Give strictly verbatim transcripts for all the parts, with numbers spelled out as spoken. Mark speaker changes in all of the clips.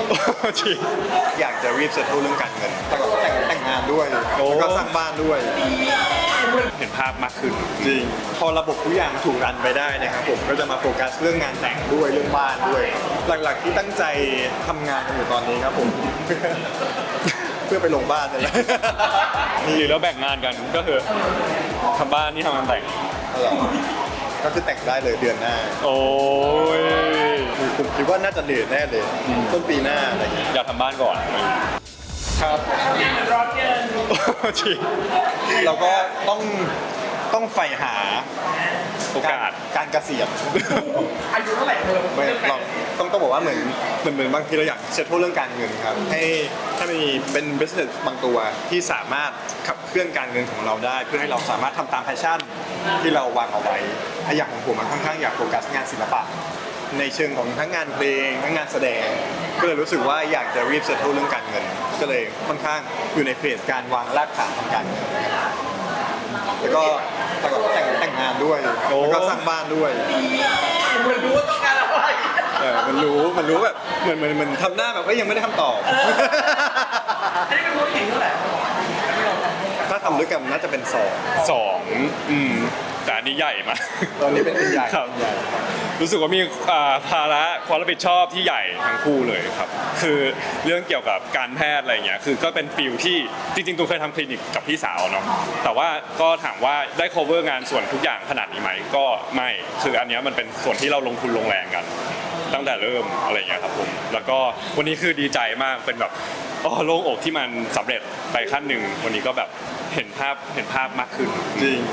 Speaker 1: จริง
Speaker 2: อยากจะรีบเซ็ตเรื่องการเงินแต่ก็แต่งแต่งงานด้วยแล้วก็สร้างบ้านด้วย
Speaker 1: เห็นภาพมากขึ้น
Speaker 2: จริงพอระบบทุกอย่างถูกรันไปได้นะครับผมก็จะมาโฟกัสเรื่องงานแต่งด้วยเรื่องบ้านด้วยหลักๆที่ตั้งใจทำงานกันอยู่ตอนนี้ครับผม เพื่อไปลงบ้านนี่แหละ
Speaker 1: นี่แล้วแบ่งงานกันก็คือทำบ้านนี่ทำงานแต่ง
Speaker 2: ก็คือแต่งได้เลยเดือนหน้า
Speaker 1: โอ้ย
Speaker 2: ผมคิดว่าน่าจะเดือนแน่เลยต้นปีหน้าอะไรอย่างเงี้ย
Speaker 1: อยากทำบ้านก่อน
Speaker 2: ครับ
Speaker 1: ร้อนเกินจริง
Speaker 2: เราก็ต้องต้องใฝ่หา
Speaker 1: โอกาส
Speaker 2: การเกษียณ
Speaker 3: อายุเท่าไหร่เธอ
Speaker 2: ไม่เราต้องต้องบอกว่าเหมือนเหมือนเหมือนบางทีเราอยากเซ็ตเรื่องการเงินครับให้ถ้ามีเป็น business บางตัวที่สามารถขับเคลื่อนการเงินของเราได้เพื่อให้เราสามารถทำตามแพชชั่นที่เราวางเอาไว้อย่างของผมมันค่อนข้างอยากโฟกัสงานศิลปะในเชิงของทั้งงานเพลงทั้งงานแสดงก็เลยรู้สึกว่าอยากจะรีบเซ็ตเรื่องการเงินก็เลยค่อนข้างอยู่ในเฟสการวางรากฐานทางการเงินแล้วก็แต่ก็แต่งแต่งงานด้วยแล้วก็สร้างบ้านด้วย
Speaker 3: เหมือนรู้ว่าต้องการอะไร
Speaker 2: เออมันรู้มันรู้แบบเหมือนเหมือนเหมือนทำหน้าแบบก็ยังไม่ได้คำตอบ
Speaker 3: อันนี้เป็นธุรกิจเท่าไหร่
Speaker 2: ถ้าทำด้วยกันน่าจะเป็นสอง
Speaker 1: สองอืมแต่อันนี้ใหญ่มาก
Speaker 2: ตอนนี้เป็นใหญ่
Speaker 1: ครับรู้สึกว่ามีภาระความรับผิดชอบที่ใหญ่ทั้งคู่เลยครับคือเรื่องเกี่ยวกับการแพทย์อะไรเงี้ยคือก็เป็นฟิลที่จริงๆตัวเคยทำคลินิกกับพี่สาวเนาะแต่ว่าก็ถามว่าได้ cover งานส่วนทุกอย่างขนาดนี้ไหมก็ไม่คืออันนี้มันเป็นส่วนที่เราลงทุนลงแรงกันตั้งแต่เริ่มอะไรเงี้ยครับผมแล้วก็วันนี้คือดีใจมากเป็นแบบอ๋อโล่งอกที่มันสำเร็จไปขั้นหนึ่งวันนี้ก็แบบเห็นภาพเห็นภาพมากขึ้น
Speaker 2: จริง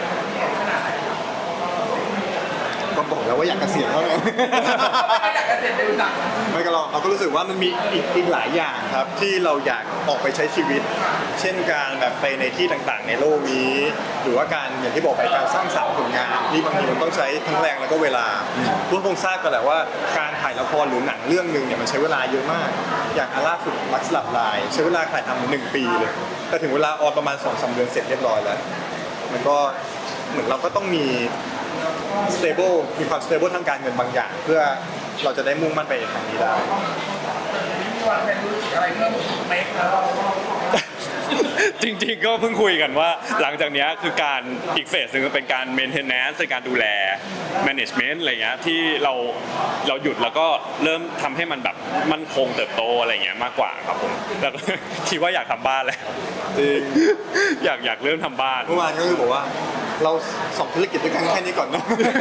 Speaker 2: ก็บอกแล้วว่าอยากเกษียณแล้วไง
Speaker 3: ไม่อยากเกษียณเร็วจัง
Speaker 2: ไม่ก็เราเราก็รู้สึกว่ามันมีอีกอีกหลายอย่างครับที่เราอยากออกไปใช้ชีวิตเช่นการแบบไปในที่ต่างๆในโลกนี้หรือว่าการอย่างที่บอกไปการสร้างสรรค์ผลงานที่บางทีมันต้องใช้ทั้งแรงแล้วก็เวลาทุกคนทราบกันแหละว่าการถ่ายละครหรือหนังเรื่องนึงเนี่ยมันใช้เวลาเยอะมากอย่างอาล่าสุดรักสลับลายใช้เวลาถ่ายทำหนึ่งปีเลยแต่ถึงเวลาออนประมาณสองสามเดือนเสร็จเรียบร้อยแล้วมันก็เหมือนเราก็ต้องมี stable มีความ stable ทางการเงินบางอย่างเพื่อเราจะได้มุ่งมั่นไปทางนี้ได้
Speaker 3: มีวางแผนธุรกิจอะไรเพิ่มไหมครับ
Speaker 1: จริงๆก็เพิ่งคุยกันว่าหลังจากนี้คือการอีกเฟสหนึ่งเป็นการ maintenance ในการดูแล management อะไรเงี้ยที่เราเราหยุดแล้วก็เริ่มทำให้มันแบบมั่นคงเติบโตอะไรเงี้ยมากกว่าครับผมแล้วคิดว่าอยากทำบ้านแล้ว
Speaker 2: จริง
Speaker 1: อยากอยากเริ่มทำบ้าน
Speaker 2: เมื่อวานก็คือบอกว่าเราสองธุรกิจด้วยกันแค่นี้ก่อน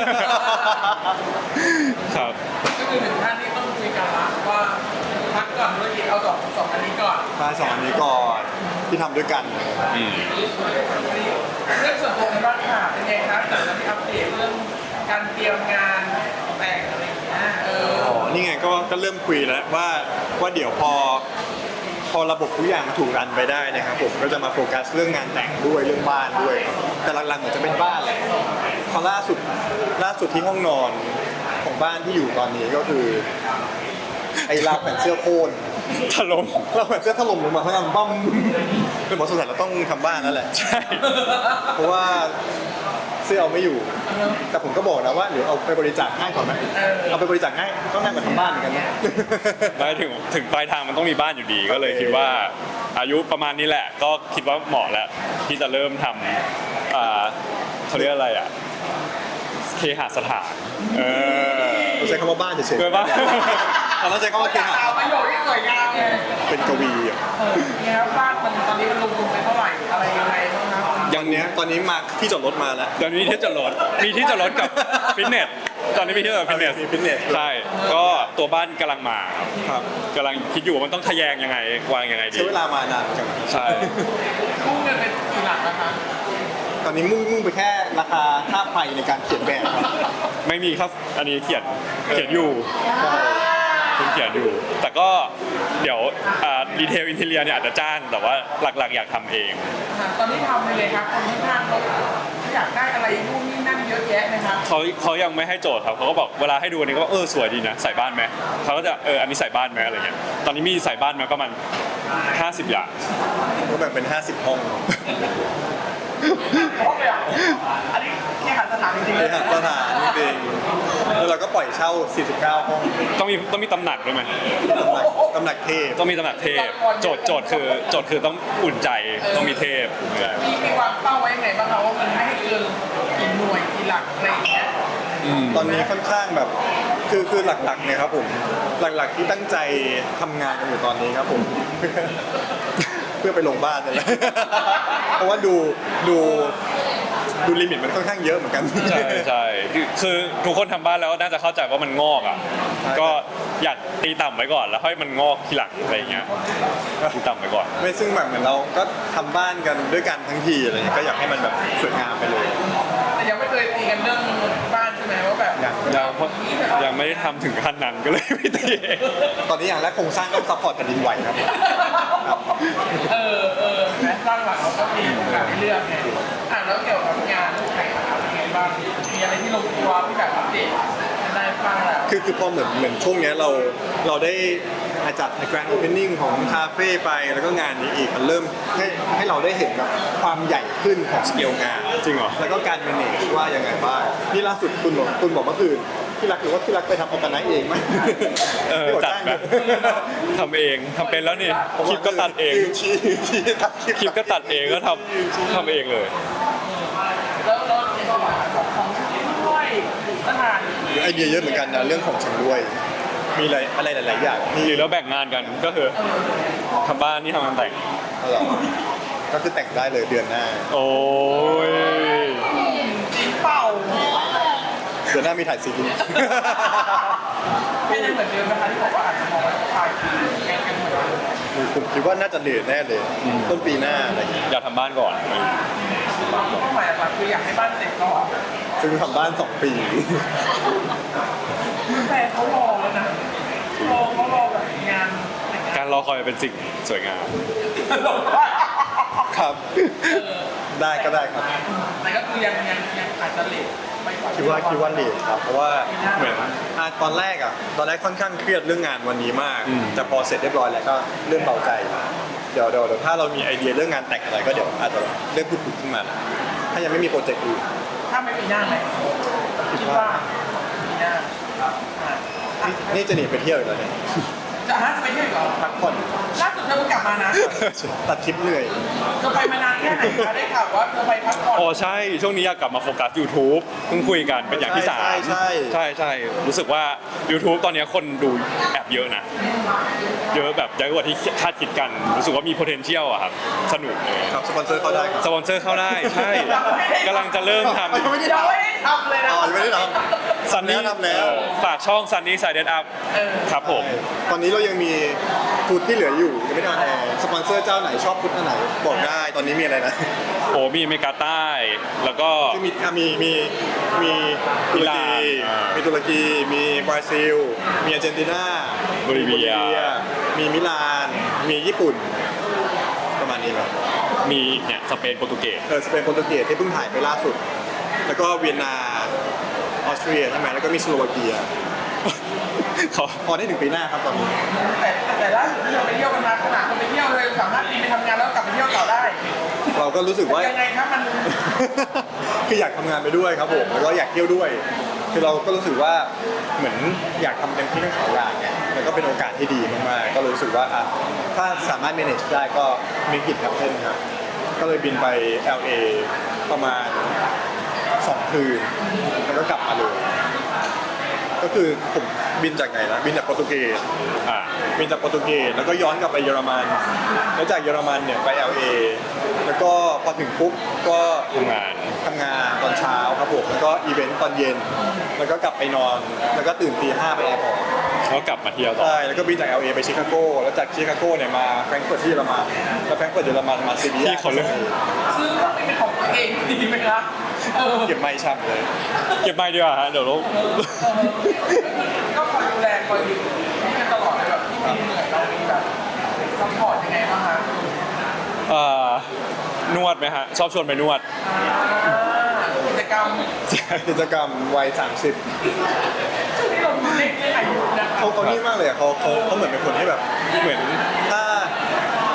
Speaker 1: นะครับ
Speaker 3: ก็คือถึงท่านที่ต้องคุยกันละว่าพักก่อนธุรกิจเอาสองสองอันนี้ก่อน
Speaker 2: ใช่สองอันนี้ก่อนที่ทำด้วยกัน
Speaker 3: เรื่องส่วนตัวในบ้านค่ะเป็นไงครับจากที่อัปเดตเรื่องการเตรียมงานแต่งอะไรอย่างเงี้ยเอออ๋
Speaker 2: อนี่ไงก็ก็เริ่มคุยแล้วว่าว่าเดี๋ยวพอพอระบบทุกอย่างถูกรันไปได้นะครับผมก็จะมาโฟกัสเรื่องงานแต่งด้วยเรื่องบ้านด้วยแต่หลักๆเหมือนจะเป็นบ้านแหละพอล่าสุดล่าสุดที่ห้องนอนของบ้านที่อยู่ตอนนี้ก็คือไอ้ราวแผ่นเสื้อโค่น
Speaker 1: ถล่ม
Speaker 2: ราวแผ่นเสื้อถล่มลงมาข้างล่างบ้มเป็นหมอสงสัยเราต้องทำบ้านนั่นแหละ
Speaker 1: ใช่
Speaker 2: เพราะว่าเสื้อเอาไม่อยู่แต่ผมก็บอกนะว่าเดี๋ยวเอาไปบริจาคให้ก่อนไหมเอาไปบริจาคให้ก็น่าจะทำบ้านเหมือนกันนะ
Speaker 1: ไปถึงถึงปลายทางมันต้องมีบ้านอยู่ดีก็เลยคิดว่าอายุประมาณนี้แหละก็คิดว่าเหมาะแล้วที่จะเริ่มทำอ่าเขาเรียกอะไรอ่ะเคหสถานเออ
Speaker 2: เราใช้คำว่าบ้านเฉยๆ
Speaker 1: เป็นบ้าน
Speaker 2: เราใช้คำว่าเคหะ
Speaker 3: ประโยชน์ที่สวยงามไง
Speaker 2: เป็นกวีอ่ะ
Speaker 3: เนี่ยครับบ้านมันตอนนี้มันลงทุนไปเท่าไหร่อะไรยังไงบ้างครับ
Speaker 2: อย่างเนี้ยตอนนี้มาที่จอดรถมาแล้ว
Speaker 1: ตอนนี้ที่จอดรถมีที่จอดรถกับฟิตเนสตอนนี้มีที่จอดฟิตเนส
Speaker 2: ฟิตเนส
Speaker 1: ใช่ก็ตัวบ้านกำลังมา
Speaker 2: ครับ
Speaker 1: กำลังคิดอยู่ว่ามันต้องทะแยงยังไงวางยังไงดี
Speaker 2: ใช้เวลามานานจัง
Speaker 1: ใช่
Speaker 3: มุ่งเงินเป็นกี่หลักนะคะ
Speaker 2: ตอนนี้มุ่งมุ่งไปแค่ราคาค่าไฟในการเขียนแบบ
Speaker 1: ไม่มีครับอันนี้เขียนเขียนอยู่คุณเขียนอยู่แต่ก็เดี๋ยวดีเทลอินเทเรียเนี่ยอาจจะจ้างแต่ว่าหลักๆอยากทำเอง
Speaker 3: ตอนนี้ทำเลยครับคนที่ข้างเขาอยากได้อะไรนู่นนี่นั่นเยอะแยะไหมครับ
Speaker 1: เขาเขายังไม่ให้โจทย์ครับเขาก็บอกเวลาให้ดูอันนี้ก็เออสวยดีนะใส่บ้านไหมเขาก็จะเอออันนี้ใส่บ้านไหมอะไรเงี้ยตอนนี้มีใส่บ้านไหมประมาณห้าสิบอย่าง
Speaker 2: ก็แบ่งเป็นห้าสิบห้อง
Speaker 3: เพราะเลยอ่ะอันนี้แค่หันสถานจริงๆ
Speaker 2: เล
Speaker 3: เลย ย
Speaker 2: หาสถานจริงๆแล้วเราก็ปล่อยเช่า สี่สิบเก้า ห้อง
Speaker 1: ต้องมีต้องมีตำหนักด้วยไหม
Speaker 2: ตำหนักตำหนักเทพ
Speaker 1: ต้องมีตำหนักเทพโจทย์โจทย์คือโจทย์คือต้องอุ่นใจต้องมีเทพ
Speaker 3: มีมีวางเป้าไว้ยังไงบ้างคะว่ามันไม่ให้เกินกี่หน่วยกี่หลักอะไรอย่างเงี้ย
Speaker 1: อืม
Speaker 2: ตอนนี้ค่อนข้างแบบคือคือหลักๆเนี่ยครับผมหลักๆที่ตั้งใจทำงานกันอยู่ตอนนี้ครับผม เพื่อไปลงบ้านนี่แหละ เพราะว่าดูดูดูลิมิตมันค่อนข้างเยอะเหมือนกัน
Speaker 1: ใช่ใช่คือคือทุกคนทำบ้านแล้วน่าจะเข้าใจว่ามันงอกอ่ะ
Speaker 2: ใช่
Speaker 1: ก็อยากตีต่ำไว้ก่อนแล้วค่อยมันงอกทีหลังอะไรอย่างเงี้ยตีต่ำไว้ก่อน
Speaker 2: ไม่ซึ่งแบบเหมือนเราก็ทำบ้านกันด้วยกันทั้งทีอะไรเงี้ยก็อยากให้มันแบบสวยงามไปเลย
Speaker 3: แต่ยังไม่เคยตีกันเรื่องบ้านใช่ไหมว่าแบบ
Speaker 2: อย่าง
Speaker 1: ยังยังไม่ได้ทำถึงขั้นนั้นก็เลยไม่ตีเอง
Speaker 2: ตอนนี้อย่างแรกโครงสร้างต้องซัพพอร์ตแผ่นดินไหวครับ
Speaker 3: เออเออแม้สร้างหลังเราก็มีโอกาสให้เลือกไงอ่ะแล้วเกี่ยวกับงานแข่งขันเป็นไงบ้างมีอะไรที่ลงตัวที่แบบอัปเดตกันได้บ้างแล้ว
Speaker 2: คือคือพอเหมือนเหมือนช่วงเนี้ยเราเราได้จัด Grand Opening ของคาเฟ่ไปแล้วก็งานนี้อีกมันเริ่มให้ให้เราได้เห็นแบบความใหญ่ขึ้นของสเกลงาน
Speaker 1: จริงเหรอ
Speaker 2: แล้วก็การ manage ว่ายังไงบ้างนี่ล่าสุดคุณบอกคุณบอกเมื่อคืนที่รักหรือว่าที่รักไปทำออร์แกไนซ์เองไหม
Speaker 1: เออ
Speaker 2: ที่บอก
Speaker 1: จัด
Speaker 2: จ้าง
Speaker 1: แบบ ทำเองทำเป็นแล้วนี่คลิปก็ตัดเอง
Speaker 2: ยืนชี้ชี้ตัด
Speaker 1: คลิปก็ตัดเองก็ทำทำเองเลย
Speaker 3: แล้วแล้วของของด้วยสถาน
Speaker 2: ไอเดียเยอะเหมือนกันนะเรื่องของชำร่วย มีอะไรอะไรหลาย ๆ อย่างที่
Speaker 1: หรือแล้วแบ่งงานกันก็คือทำบ้านนี่ทำงานแต่ง
Speaker 2: เอาเหรอก็คือแต่งได้เลยเดือนหน้า
Speaker 1: โอ้ย
Speaker 3: จริงเปล่า
Speaker 2: เดือนหน้ามีถ่ายซีรีส์
Speaker 3: ไม่ได้เหมือนเดิมนะคะที่บอกว่าอาจจะมองว่าชายคือแกงกันเหมือนเดิม
Speaker 2: ผมคิดว่าน่าจะเดือนแน่เลย ต้นปีหน้าอะไรอย่างเงี้ย
Speaker 1: อยากทำบ้านก่อน
Speaker 3: เป้าหมายหลักๆคืออยากให้บ้านเสร็จก่อน
Speaker 2: ซึ่งทำบ้านสองปี
Speaker 3: แต่เขารอแล้วนะรอเขารอแบบงานในการ
Speaker 1: การรอคอยเป็นสิ่งสวยงาม
Speaker 2: ครับ ได้ก็ได้ครับ
Speaker 3: แต่ก็คือยังยังยังอาจจะเลทไปกว่า
Speaker 2: คิดว่าคิดว่าเลทครับ เพราะว่าเหมือนอ่ะตอนแรกอ่ะ ตอนแรกค่อนข้างเครียดเรื่องงานวันนี้มาก
Speaker 1: อืม
Speaker 2: แต่พอเสร็จเรียบร้อยแล้วก็เริ่มเบาใจ เดี๋ยวเดี๋ยวเดี๋ยวถ้าเรามีไอเดียเรื่องงานแต่งอะไรก็เดี๋ยวอาจจะเริ่มพูดคุยขึ้นมา ถ้ายังไม่มีโปรเจกต์อื่น
Speaker 3: ถ้าไม่มีหน้าไหมคิดว่ามีหน้าอ่ะ
Speaker 2: นี่นี่จะหนีไปเที่ยวอีกแล้วเนี่ย
Speaker 3: จะฮะจะไปเที่ยวอีกเหรอ
Speaker 2: พักผ่อน
Speaker 3: ล่าสุดเธอเพิ่งกลับมานะ
Speaker 2: ตัดทริปเหนื่อย
Speaker 3: เธอไปมานานแค่ไหนคะได้ข่าวว่าเธอไปพักผ่อน
Speaker 1: อ๋อใช่ ช่วงนี้อยากกลับมาโฟกัส YouTube เพิ่งคุยกันเป็นอย่างที่สาม
Speaker 2: ใช่ใช่
Speaker 1: ใช่ใช่รู้สึกว่า YouTube ตอนนี้คนดูแอบเยอะนะ เยอะแบบเยอะกว่าที่คาดคิดกัน รู้สึกว่ามี potential อะครับ สนุกเลย
Speaker 2: ครับสปอนเซอร์เข้าได้ครับ
Speaker 1: สปอนเซอร์เข้าได้ ใช่กำลังจะเริ่มท
Speaker 2: ยังไม่ได้
Speaker 3: ยังไม่ได้ทำเลยนะ
Speaker 2: อ๋อยังไม่ได้ท
Speaker 1: ำ Sunny
Speaker 2: ทำแล้ว
Speaker 1: ฝากช่อง Sunny Side Up
Speaker 3: เออ
Speaker 1: ครับผม
Speaker 2: ำตอนนี้เรายังมีฟุตที่เหลืออยู่ยังไม่ได้ออนแอร์สปอนเซอร์เจ้าไหนชอบฟุตอันไหนบอกได้ตอนนี้มีอะไรนะ
Speaker 1: โอ้มีอเมริกาใต้ แล้วก็
Speaker 2: คือมีอ่ะมีมีมีตุร
Speaker 1: อิหร่า
Speaker 2: กี
Speaker 1: นอ่ามี
Speaker 2: มีตุรกี มีบราซิล มีอาร์เจนตินา
Speaker 1: โบลิเวีย
Speaker 2: มีมิลาน มีญี่ปุ่น ประมาณนี้ครับ
Speaker 1: มีเนี่ยสเปนโปรตุเกส
Speaker 2: เออสเปนโปรตุเกสที่เพิ่งถ่ายไปล่าสุด แล้วก็เวียนนาออสเตรียใช่ไหมแล้วก็มีสโลวาเกีย
Speaker 1: เขา
Speaker 2: พอได้ถึงปีหน้าครับตอนนี้
Speaker 3: แต่แต่ล่าสุดที่เราไปเที่ยวกันมาขนาดเราไปเที่ยวเลยสามารถบินไปทำงานแล้วกลับไปเที่ยวต่อได้
Speaker 2: เราก็รู้สึกว่า
Speaker 3: ยังไงครับมัน
Speaker 2: คืออยากทำงานไปด้วยครับผมแล้วก็อยากเที่ยวด้วย คือเราก็รู้สึกว่าเหมือนอยากทำเต็มที่ทั้งสองอย่างไงแล้วก็เป็นโอกาสที่ดีมากๆก็เลยรู้สึกว่าอ่ะถ้าสามารถ manage ได้ก็มีกิจครับเช่นครับ ก็เลยบินไป แอล เอ ประมาณสองคืนแล้วก็กลับมาเลย ก็คือผมบินจากไหนนะบินจากโปรตุเกส
Speaker 1: อ่า
Speaker 2: บินจากโปรตุเกสแล้วก็ย้อนกลับไปเยอรมัน แล้วจากเยอรมันเนี่ยไป แอล เอ แล้วก็พอถึงปุ๊บก็
Speaker 1: ทำงาน
Speaker 2: ทำงานตอนเช้าครับผมแล้วก็อีเวนต์ตอนเย็น แล้วก็กลับไปนอน แล้วก็ตื่นตีห้าไปแอร์พอร์ต
Speaker 1: แล้วกลับมาเที่ยวต่อ
Speaker 2: ใช่แล้วก็บินจาก แอล เอ ไปชิคาโก แล้วจากชิคาโกเนี่ยมาแฟรงก์เฟิร์ตที่เยอรมันแล้วแฟรงก์เฟิร์ตเยอรมันมาซีเรีย
Speaker 1: ที่เขาเลือก
Speaker 3: ซื้อเครื่องบินเป็นของตัวเองดีไหมครับเออ
Speaker 2: เก็บไม่ช่ำเลย
Speaker 1: เก็บไม่ดีกว่าฮะเดี๋ยวเรา
Speaker 3: ก็คอยดูแลคอยดูนี่กันตลอดเลยแบบที่มีเหนื่อยเรามีแบบซัพพอร์ตยังไงบ้างคะ
Speaker 1: เอ่อนวดไหมฮะ ชอบชวนไปนวด
Speaker 3: อ่ากิจกรรม
Speaker 2: กิจกรรมวัยสามสิบ
Speaker 3: ช่วงนี้เราดูเล็กเรื่องอายุนะคะ
Speaker 2: เขาเขานี่มากเลยอะเขาเขาเขาเหมือนเป็นคนที่แบบเหมือนถ้า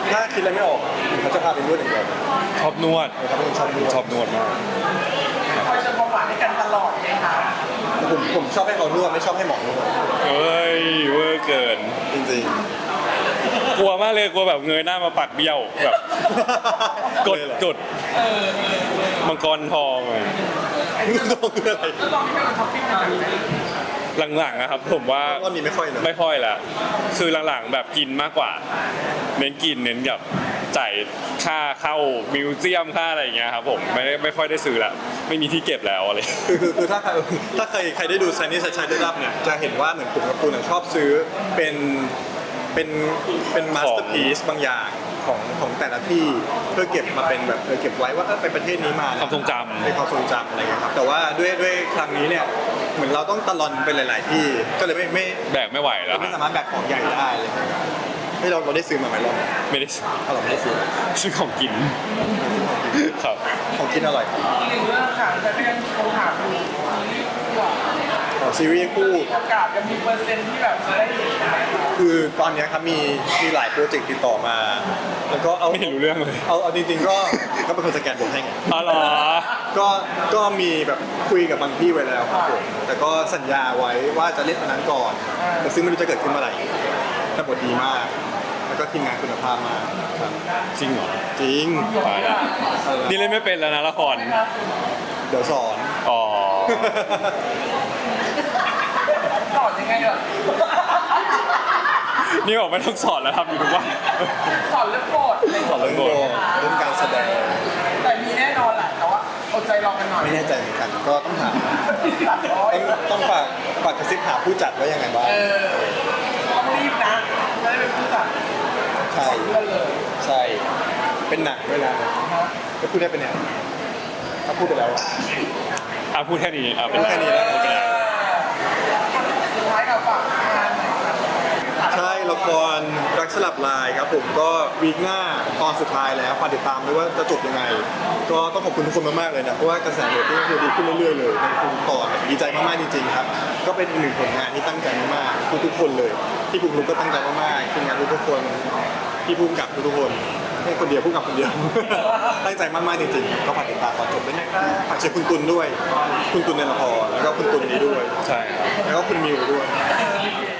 Speaker 2: ถ้าคิดอะไรไม่ออกเขาจะพาไปนวดอย่างเดียว
Speaker 1: ชอบนวด
Speaker 2: เขาเป็นคนชอบนวด
Speaker 1: ชอบนวดมาก
Speaker 3: คอยเติมความหวานให้กันตลอดไหมคะ
Speaker 2: แต่ผมผมชอบให้เขานวดไม่ชอบให้หมอนวด
Speaker 1: เอ้ยเวอร์เกิน
Speaker 2: จริง
Speaker 1: กลัวมากเลยกลัวแบบเงยหน้ามาปัดเบี้ยวแบบ
Speaker 2: ๆ
Speaker 1: กด
Speaker 2: เลยเหรอก
Speaker 1: ด
Speaker 3: เออเออเออ
Speaker 1: มังกรทองอะ
Speaker 2: ต้องคืออะไร
Speaker 3: แล้วลองให้มันช้อปปิ้งกันไหม
Speaker 1: หลังๆนะครับผมว่า
Speaker 2: ว่ามีไม่ค่อยเลย
Speaker 1: ไม่ค่อยละคือหลังๆแบบกินมากกว่า เน้นกินเน้นแบบจ่ายค่าเข้ามิวเซียมค่าอะไรอย่างเงี้ยครับผมไม่ได้ไม่ค่อยได้ซื้อละไม่มีที่เก็บแล้วอะไร
Speaker 2: คือคือคือถ้าใครถ้าใครใครได้ดูไซนี่ชัยได้รับเนี่ยจะเห็นว่าเหมือนผมกับคุณอะชอบซื้อเป็นเป็นเป็นมาสเตอร์พีซบางอย่างของของแต่ละที่เพื่อเก็บมาเป็นแบบเออเก็บไว้ว่าเออไปประเทศนี้มานะ
Speaker 1: ความทรงจำ
Speaker 2: เป็นความทรงจำอะไรเงี้ยครับแต่ว่าด้วยด้วยครั้งนี้เนี่ยเหมือนเราต้องตะลอนไปหลาย ๆ ที่ก็เลยไม่ไม่
Speaker 1: แบกไม่ไหวแล้ว
Speaker 2: ไม่
Speaker 1: ฮะ
Speaker 2: สามารถแบกของใหญ่ได้เลยให้เราเราได้ซื้อมาไหมรอบ
Speaker 1: ไม่ได้
Speaker 2: ถ้าเราไม่ได้ซื้อ
Speaker 1: ซื้อของกินครับ
Speaker 2: ของกินอร่อย
Speaker 3: อีกหนึ่งเรื่องค่ะแต่ก็ยังคงถามอยู่ซีรีส์คู่อะ
Speaker 2: ของซีรีส์คู่
Speaker 3: โอกาสจะมีเปอร์เซ็นต์ที่แบบจะได้เห็นไหมคะ
Speaker 2: คือตอนเนี้ยครับมีมีหลายโปรเจกต์ติดต่อมา แล้วก็เอา
Speaker 1: ไม่เห็นรู้เรื่องเลย
Speaker 2: เอาเอาจริงๆก็ก็เป็นคนสแกนบทให้ไง
Speaker 1: อ๋อเหรอ
Speaker 2: ก็ก็มีแบบคุยกับบางที่ไว้แล้วครับผมแต่ก็สัญญาไว้ว่าจะเล่นอันนั้นก่อนแต่ซึ่งไม่รู้จะเกิดขึ้นเมื่อไหร่แต่บทดีมาก แล้วก็ทีมงานคุณภาพมากครับ
Speaker 1: จริงเหรอ
Speaker 2: จริง
Speaker 1: ตายแล้วนี่เล่นไม่เป็นแล้วนะละคร
Speaker 2: เดี๋ยวสอน
Speaker 1: อ๋อ
Speaker 3: สอนยังไงเหรอ
Speaker 1: นี่บอกไม่ต้องสอนแล้วทำอยู่ทุกวัน
Speaker 3: สอนเรื่องโปรดอะไรอย่าง
Speaker 2: สอน
Speaker 3: เงี้ย
Speaker 2: เรื่องบทเรื่องการแสดง
Speaker 3: แต่มีแน่นอนแหละแต่ว่าอดใจรอกันหน่อย
Speaker 2: ไม่แน่ใจเหมือนกัน ก็ต้องหาต้องต้องฝากฝากกระซิบหาผู้จัดว่ายังไงบ้าง
Speaker 3: เออต้องรีบนะจะได้เป็นผู้จัด
Speaker 2: ใช่
Speaker 3: เพื่อนเลย
Speaker 2: ใช่ เป็นหนังเวลาจะพูดได้เป็นเนี่ยถ้าพูดไปแล้วอะ
Speaker 1: อ่ะพูดแค่นี้อ่ะเป็น
Speaker 2: พูดแค่นี้แล้ว
Speaker 1: พูดไปแล้ว
Speaker 3: สุดท้ายกับฝากงานหน่อยครับ
Speaker 2: ใช่ละครรักสลับลายครับผมก็วีคหน้าตอนสุดท้ายแล้วฝากติดตามด้วยว่าจะจบยังไง ก็ต้องขอบคุณทุกคนมากๆเลยนะเพราะว่ากระแสเรตติ้งคือดีขึ้นเรื่อยๆเลยในทุกตอนดีใจมากๆจริงๆครับ ก็เป็นอีกหนึ่งผลงานที่ตั้งใจมากๆทุกๆคนเลยที่ปุ๊กลุกก็ตั้งใจมากๆทีมงานทุกๆคนที่พุ่มกับทุกๆคนไม่คนเดียวพุ่มกับคนเดียว ตั้งใจมากๆจริงๆก็ฝากติดตามตอนจบด้วยนะครับฝากเชียร์คุณตุลด้วย คุณตุลในละครแล้วก็คุณตุลนี้ด้วย
Speaker 1: ใช่ครับ
Speaker 2: แล้วก็คุณมิวด้วย
Speaker 3: โอเค